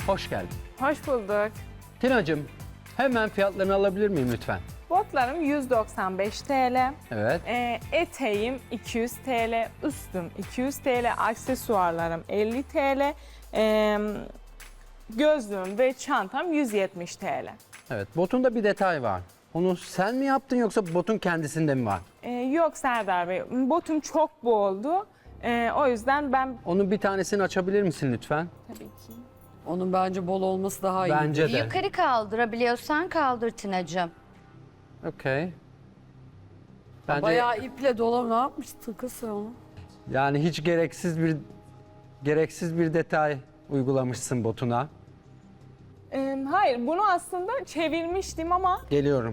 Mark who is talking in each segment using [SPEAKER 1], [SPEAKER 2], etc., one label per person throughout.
[SPEAKER 1] Hoş geldin.
[SPEAKER 2] Hoş bulduk.
[SPEAKER 1] Tina'cığım, hemen fiyatlarını alabilir miyim lütfen?
[SPEAKER 2] Botlarım 195 TL.
[SPEAKER 1] Evet.
[SPEAKER 2] Eteğim 200 TL. Üstüm 200 TL. Aksesuarlarım 50 TL. Gözlüğüm ve çantam 170 TL.
[SPEAKER 1] Evet, botunda bir detay var. Onu sen mi yaptın yoksa botun kendisinde mi var?
[SPEAKER 2] Yok Serdar Bey, botum çok boldu. O yüzden ben
[SPEAKER 1] Onun bir tanesini açabilir misin lütfen?
[SPEAKER 2] tabii ki.
[SPEAKER 3] Onun bence bol olması daha iyi.
[SPEAKER 1] Bence de.
[SPEAKER 4] Yukarı kaldırabiliyorsan kaldır Tina'cığım.
[SPEAKER 1] Okey. Bence
[SPEAKER 3] Bayağı iple dolap ne yapmışsın kız sen onu?
[SPEAKER 1] yani hiç gereksiz bir detay uygulamışsın botuna.
[SPEAKER 2] Hayır, bunu aslında çevirmiştim ama
[SPEAKER 1] Geliyorum.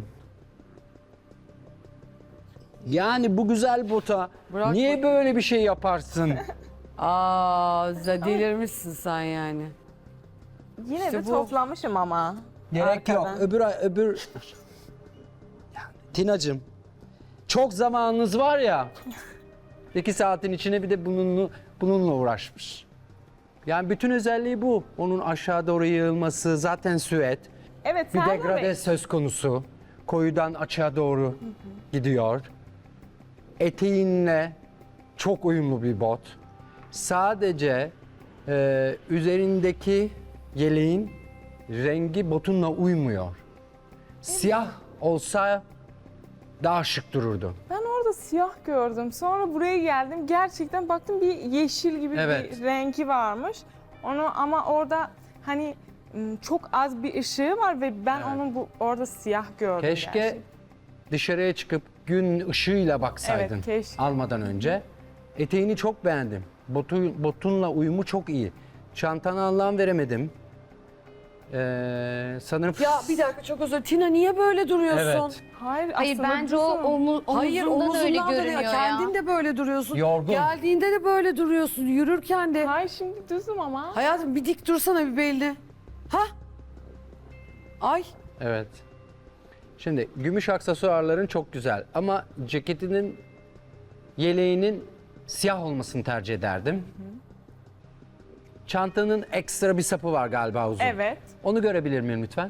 [SPEAKER 1] Yani bu güzel bota
[SPEAKER 3] Bırak
[SPEAKER 1] niye böyle bir şey yaparsın?
[SPEAKER 3] Delirmişsin sen yani.
[SPEAKER 2] yine
[SPEAKER 3] İşte
[SPEAKER 2] de
[SPEAKER 3] bu.
[SPEAKER 2] toplamışım ama.
[SPEAKER 1] Gerek yok.
[SPEAKER 2] Arkadan.
[SPEAKER 1] Öbür... Yani, Tina'cığım, çok zamanınız var ya. 2 saatin içine bir de bununla uğraşmış. Yani bütün özelliği bu. Onun aşağı doğru yığılması, zaten süet.
[SPEAKER 2] Evet
[SPEAKER 1] Bir
[SPEAKER 2] Serdar
[SPEAKER 1] degrade
[SPEAKER 2] Bey.
[SPEAKER 1] söz konusu. Koyudan açığa doğru gidiyor. Eteğinle çok uyumlu bir bot. Sadece üzerindeki yeleğin rengi botunla uymuyor. Siyah olsa daha şık dururdu.
[SPEAKER 2] Ben orada siyah gördüm. Sonra buraya geldim. Gerçekten baktım bir yeşil gibi
[SPEAKER 1] Evet.
[SPEAKER 2] bir rengi varmış. Onu ama orada hani çok az bir ışığı var ve ben onu orada siyah gördüm.
[SPEAKER 1] Keşke
[SPEAKER 2] gerçekten.
[SPEAKER 1] dışarıya çıkıp gün ışığıyla baksaydın
[SPEAKER 2] Evet, keşke.
[SPEAKER 1] almadan önce. Eteğini çok beğendim. Botunla uyumu çok iyi. Çantana anlam veremedim. Sanırım...
[SPEAKER 3] Ya bir dakika çok özür dilerim. Tina niye böyle duruyorsun?
[SPEAKER 1] Evet.
[SPEAKER 2] Hayır,
[SPEAKER 4] Hayır
[SPEAKER 2] aslında
[SPEAKER 4] bence o
[SPEAKER 2] düzüm.
[SPEAKER 3] Hayır
[SPEAKER 4] omuzundan öyle
[SPEAKER 3] omuzundan da
[SPEAKER 4] görünüyor ya.
[SPEAKER 3] Kendin de böyle duruyorsun.
[SPEAKER 1] Yorgun.
[SPEAKER 3] Geldiğinde de böyle duruyorsun. Yürürken de.
[SPEAKER 2] Hayır şimdi düzüm ama.
[SPEAKER 3] Hayatım bir dik dursana bir belli. Ha? Ay.
[SPEAKER 1] Evet. Şimdi gümüş aksesuarların çok güzel ama ceketinin yeleğinin siyah olmasını tercih ederdim. Çantanın ekstra bir sapı var galiba uzun.
[SPEAKER 2] Evet.
[SPEAKER 1] Onu görebilir miyim lütfen?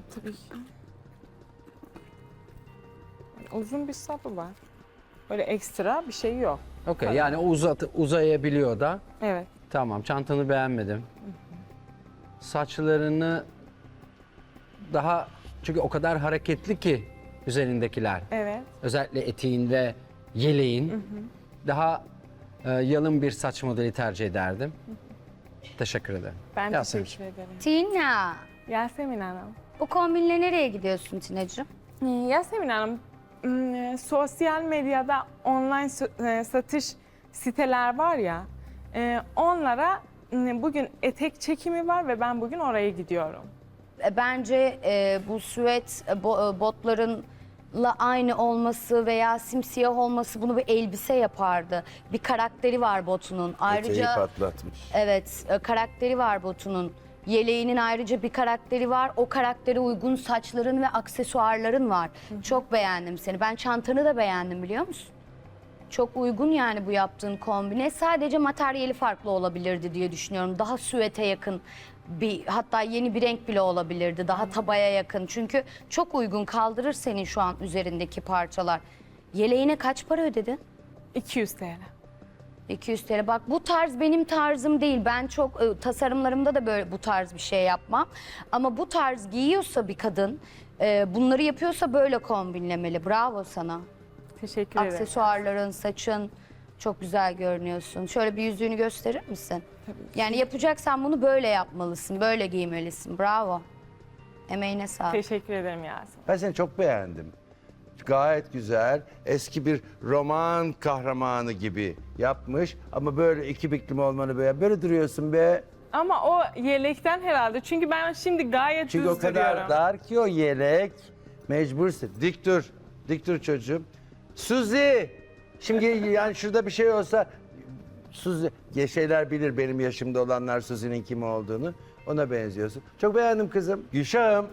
[SPEAKER 2] Uzun bir sapı var. Böyle ekstra bir şey yok.
[SPEAKER 1] Okey, yani o uzayabiliyor da.
[SPEAKER 2] Evet.
[SPEAKER 1] Tamam, çantanı beğenmedim. Saçlarını daha, çünkü o kadar hareketli ki üzerindekiler.
[SPEAKER 2] Evet.
[SPEAKER 1] Özellikle eteğin ve yeleğin. Daha yalın bir saç modeli tercih ederdim. Teşekkür ederim.
[SPEAKER 2] Ben
[SPEAKER 1] Yasemin.
[SPEAKER 2] teşekkür ederim.
[SPEAKER 4] Tina,
[SPEAKER 2] Yasemin Hanım.
[SPEAKER 4] bu kombinle nereye gidiyorsun Tina'cığım?
[SPEAKER 2] Yasemin Hanım, sosyal medyada online satış siteler var ya, onlara bugün etek çekimi var ve ben bugün oraya gidiyorum.
[SPEAKER 4] Bence bu süet botlarınla aynı olması veya simsiyah olması bunu bir elbise yapardı. Bir karakteri var botunun.
[SPEAKER 5] Eteği
[SPEAKER 4] Ayrıca
[SPEAKER 5] patlatmış.
[SPEAKER 4] evet, karakteri var botunun. Yeleğinin ayrıca bir karakteri var. O karaktere uygun saçların ve aksesuarların var. Çok beğendim seni. Ben çantanı da beğendim biliyor musun? Çok uygun yani bu yaptığın kombine. Sadece materyali farklı olabilirdi diye düşünüyorum. Daha süete yakın hatta yeni bir renk bile olabilirdi. Daha tabaya yakın. Çünkü çok uygun kaldırır senin şu an üzerindeki parçalar. Yeleğine kaç para ödedin?
[SPEAKER 2] 200 TL.
[SPEAKER 4] 200 TL. Bak bu tarz benim tarzım değil. Ben çok tasarımlarımda da böyle bu tarz bir şey yapmam. Ama bu tarz giyiyorsa bir kadın, bunları yapıyorsa böyle kombinlemeli. Bravo sana.
[SPEAKER 2] Teşekkür ederim.
[SPEAKER 4] Aksesuarların, saçın çok güzel görünüyorsun. Şöyle bir yüzüğünü gösterir misin? Yani yapacaksan bunu böyle yapmalısın, böyle giymelisin. Bravo. Emeğine sağlık.
[SPEAKER 2] Teşekkür ederim Yasemin.
[SPEAKER 5] Ben seni çok beğendim. Gayet güzel. Eski bir roman kahramanı gibi yapmış. Ama böyle iki biklim olmanı böyle duruyorsun be.
[SPEAKER 2] Ama o yelekten herhalde. Çünkü ben şimdi gayet
[SPEAKER 5] Çünkü
[SPEAKER 2] düz
[SPEAKER 5] o kadar
[SPEAKER 2] duruyorum.
[SPEAKER 5] dar ki o yelek. Mecbursun. Dik dur. Dik dur çocuğum. Suzi. Şimdi yani şurada bir şey olsa Suzi, şeyler bilir benim yaşımda olanlar Suzi'nin kim olduğunu. Ona benziyorsun. Çok beğendim kızım. Gülşah'ım.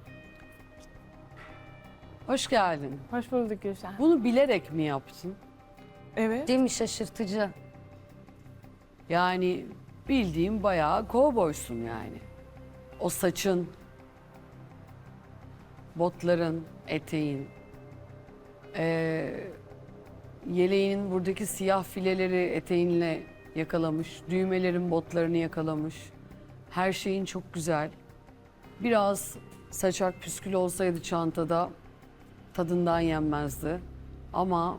[SPEAKER 3] Hoş geldin.
[SPEAKER 2] Hoş bulduk Gülşen.
[SPEAKER 3] Bunu bilerek mi yaptın?
[SPEAKER 2] Evet.
[SPEAKER 4] Değil mi şaşırtıcı?
[SPEAKER 3] Yani bildiğim bayağı kovboysun yani. o saçın, botların, eteğin, yeleğinin buradaki siyah fileleri eteğinle yakalamış, düğmelerin botlarını yakalamış. Her şeyin çok güzel. Biraz saçak püskül olsaydı çantada tadından yenmezdi. Ama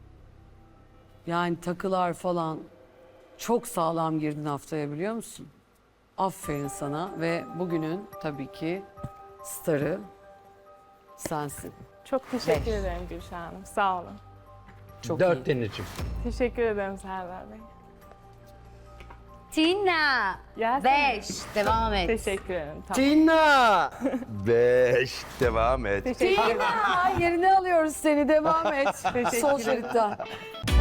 [SPEAKER 3] yani takılar falan çok sağlam girdin haftaya, biliyor musun? Aferin sana ve bugünün tabii ki starı sensin.
[SPEAKER 2] Çok teşekkür ederim Gülşah Hanım. Sağ olun.
[SPEAKER 3] Çok
[SPEAKER 1] 4
[SPEAKER 3] iyi.
[SPEAKER 1] Tina'cığım.
[SPEAKER 2] Teşekkür ederim Serdar Bey.
[SPEAKER 4] Tina.
[SPEAKER 2] Gelsene.
[SPEAKER 4] 5. Devam et.
[SPEAKER 2] Teşekkür ederim. Tamam.
[SPEAKER 5] Tina. 5. Devam et.
[SPEAKER 2] Teşekkür ederim.
[SPEAKER 3] Aa, yerine alıyoruz seni, devam et.
[SPEAKER 2] Teşekkür
[SPEAKER 3] Sol
[SPEAKER 2] ederim.
[SPEAKER 3] şeritten.